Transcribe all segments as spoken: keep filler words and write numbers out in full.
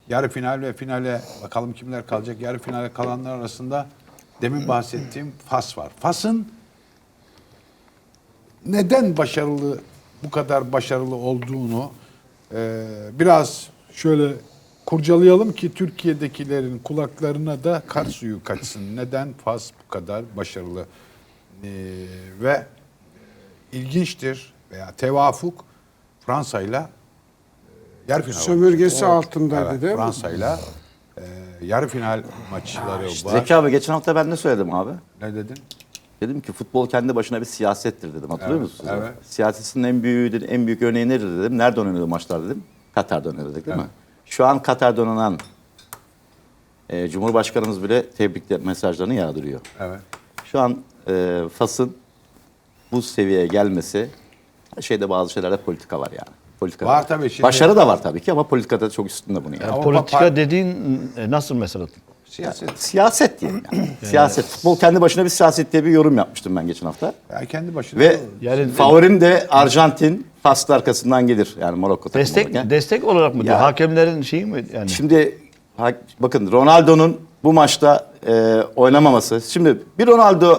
yarı final ve finale bakalım kimler kalacak. Yarı finale kalanlar arasında demin bahsettiğim Fas var. Fas'ın neden başarılı, bu kadar başarılı olduğunu e, biraz şöyle kurcalayalım ki Türkiye'dekilerin kulaklarına da kar suyu kaçsın. Neden Fas bu kadar başarılı? E, ve ilginçtir veya tevafuk Fransa'yla yarı final Sömürgesi maçı. altındaydı Evet, değil mi? Fransa'yla e, yarı final maçları var. Zeki abi geçen hafta ben ne söyledim abi? Ne dedin? Dedim ki futbol kendi başına bir siyasettir dedim. Hatırlıyor Evet, musunuz? evet. Siyasetin en büyüğü, en büyük örneği nedir dedim. Nerede oynanıyor maçlar dedim. Katar'da oynanıyor değil mi? Şu an Katar'da oynanan e, Cumhurbaşkanımız bile tebrikler mesajlarını yağdırıyor. Evet. Şu an e, Fas'ın bu seviyeye gelmesi, şeyde bazı şeylerde politika var yani. Politika Var tabii şimdi. Başarı da var tabii ki ama politikada çok üstünde bunu yani. Ama Politika pa- dediğin e, nasıl mesela? Siyaset. Siyaset diyelim yani. Siyaset. Futbol kendi başına bir siyaset diye bir yorum yapmıştım ben geçen hafta. Ya kendi başına. Ve Yani- favorim de Arjantin. Fas'ta arkasından gelir. Yani Marokko takımı Destek olarak. destek olarak mı diyor? Ya- Hakemlerin şeyi mi yani? Şimdi ha- bakın Ronaldo'nun bu maçta e, oynamaması. Şimdi bir Ronaldo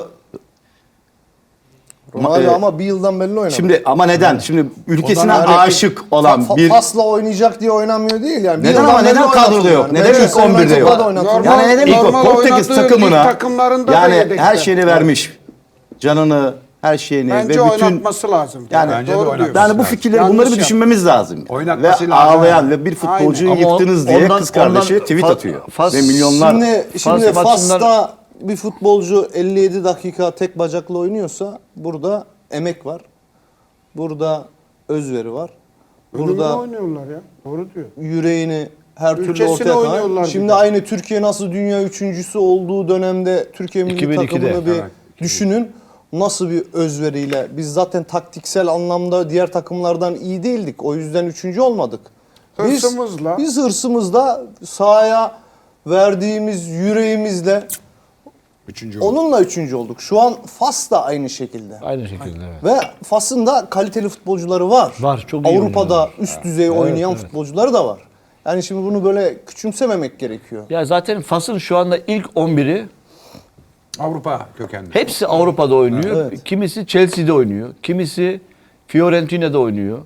Ronaldo e, ama bir yıldan beri oynamıyor. şimdi ama neden? Şimdi ülkesine Yani aşık olan fa- bir Fas'la oynayacak diye oynamıyor değil yani. Bir Neden yıldan ama beri neden oynatıyor kadroda yok? yani. Neden Manchester ilk on birde United'da yok? da oynatıyor. Normal- yani neden ilk normal Portekiz oynadığı lig takımına takımlarında da yani yedekte. her şeyini vermiş. Canını, her şeyini Bence ve bütün oynatması lazım. Yani- Bence de Doğru oynatması diyorsun. yani bu lazım. fikirleri Yanlış bunları bir yap- düşünmemiz lazım. Oynatması ve lazım. ağlayan ve bir futbolcuyu Aynen. Ama yıktınız ondan- diye kız kardeşi ondan tweet Fas- atıyor. Fas- ve milyonlar Şimdi, şimdi Fas maçından- Fas'ta bir futbolcu elli yedi dakika tek bacakla oynuyorsa burada emek var. Burada özveri var. Burada Burada oynuyorlar ya. Doğru diyor. yüreğini her türlü Ülkesine ortaya oynuyorlar koyan. bir Şimdi de. aynı Türkiye nasıl dünya üçüncüsü olduğu dönemde Türkiye milli iki bin ikide, takımını bir evet, düşünün. Nasıl bir özveriyle. Biz zaten taktiksel anlamda diğer takımlardan iyi değildik. O yüzden üçüncü olmadık. Biz, Hırsımızla. Biz hırsımızla sahaya verdiğimiz yüreğimizle Üçüncü oldu. onunla üçüncü olduk. Şu an Fas da aynı şekilde. Aynı şekilde evet. Ve Fas'ın da kaliteli futbolcuları var. Var, çok iyi Avrupa'da oynuyorlar. üst düzey oynayan evet. futbolcuları da var. Yani şimdi bunu böyle küçümsememek gerekiyor. Ya zaten Fas'ın şu anda ilk on biri Avrupa kökenli. hepsi Avrupa'da oynuyor. Evet. Kimisi Chelsea'de oynuyor. Kimisi Fiorentina'da oynuyor.